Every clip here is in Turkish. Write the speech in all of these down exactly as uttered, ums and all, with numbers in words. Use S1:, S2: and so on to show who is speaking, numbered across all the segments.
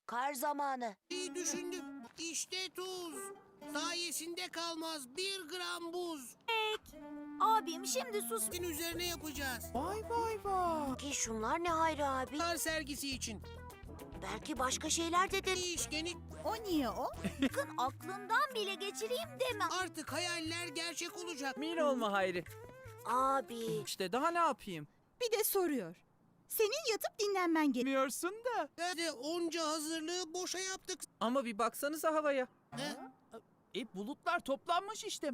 S1: Kar zamanı.
S2: İyi düşündüm. İşte tuz. Sayesinde kalmaz bir gram buz.
S3: Abim şimdi sus.
S2: Din üzerine yapacağız.
S4: Vay vay vay.
S1: Ki şunlar ne Hayri abi?
S2: Kar sergisi için.
S1: Belki başka şeyler dedir.
S2: Değişkeni
S3: O niye o? Sakın aklından bile geçireyim deme.
S2: artık hayaller gerçek olacak.
S4: Emin olma Hayri.
S1: Abi.
S4: İşte daha ne yapayım?
S5: Bir de soruyor. Senin yatıp dinlenmen gerek.
S4: Bilmiyorsun da.
S2: Ve de onca hazırlığı boşa yaptık.
S4: Ama bir baksanıza havaya.
S2: He?
S4: E bulutlar toplanmış işte.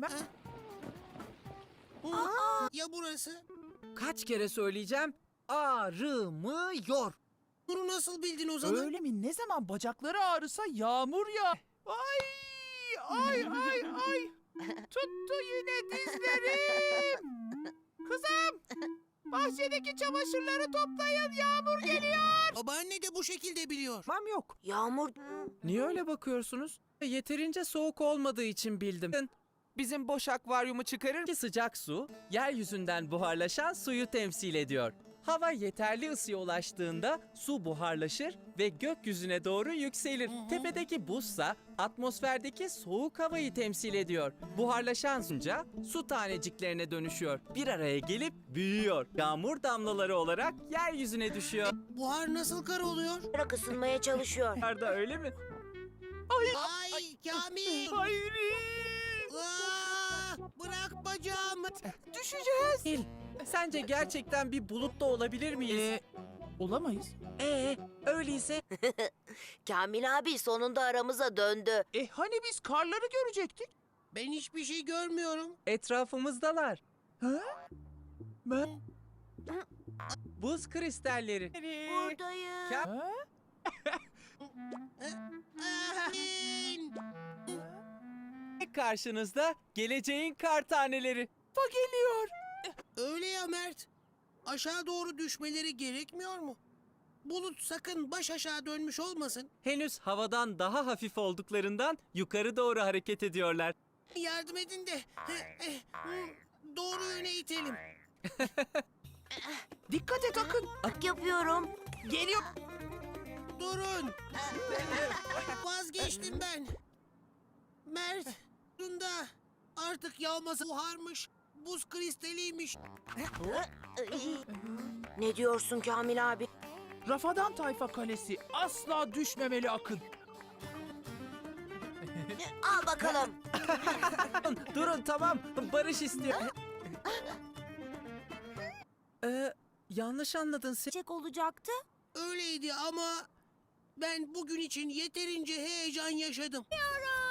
S2: Hı? Ya burası?
S4: Kaç kere söyleyeceğim? Ağrımıyor.
S2: Bunu nasıl bildin o zaman?
S6: Öyle mi? Ne zaman bacakları ağrısa yağmur ya. Ay! Ay ay ay! Tuttu yine dizlerim. Kızım! Bahçedeki çamaşırları toplayın, yağmur geliyor.
S2: Babaanne de bu şekilde biliyor.
S4: Tamam yok.
S1: Yağmur.
S4: Niye öyle bakıyorsunuz? Yeterince soğuk olmadığı için bildim. Bizim boş akvaryumu çıkarır ki sıcak su, yeryüzünden buharlaşan suyu temsil ediyor. Hava yeterli ısıya ulaştığında su buharlaşır ve gökyüzüne doğru yükselir. Tepedeki buzsa atmosferdeki soğuk havayı temsil ediyor. Buharlaşan sunca su taneciklerine dönüşüyor. Bir araya gelip büyüyor. Yağmur damlaları olarak yeryüzüne düşüyor.
S2: Buhar nasıl kar oluyor?
S1: Bırak ısınmaya çalışıyor.
S4: Da öyle mi?
S2: Ay Kamil!
S6: Hayri!
S2: Aa, bırak bacağımı.
S6: Düşeceğiz.
S4: Nil, sence gerçekten bir bulut da olabilir miyiz?
S6: Ee, olamayız.
S4: Ee, öyleyse
S1: Kamil abi sonunda aramıza döndü.
S6: E hani biz karları görecektik?
S2: Ben hiçbir şey görmüyorum.
S4: etrafımızdalar.
S6: Ha? Ben...
S4: Buz kristalleri.
S1: Buradayım.
S4: Ka-
S6: Ha?
S2: Amin!
S4: Karşınızda geleceğin kar taneleri.
S6: Fa geliyor.
S2: Öyle ya Mert. Aşağı doğru düşmeleri gerekmiyor mu? Bulut sakın baş aşağı dönmüş olmasın.
S4: Henüz havadan daha hafif olduklarından yukarı doğru hareket ediyorlar.
S2: Yardım edin de eh, eh, hmm, doğru yöne itelim.
S6: Dikkat et Akın.
S1: Bak yapıyorum.
S6: Geliyor.
S2: Durun. Vazgeçtim ben. Mert, bunda artık yağması buharmış. Buz kristaliymiş.
S1: Ne diyorsun Kamil abi?
S6: Rafadan Tayfa Kalesi asla düşmemeli Akın.
S1: Al bakalım.
S4: Durun tamam. Barış istiyor. ee, yanlış anladın sen.
S3: Çek olacaktı.
S2: Öyleydi ama ben bugün için yeterince heyecan yaşadım.
S3: Yara!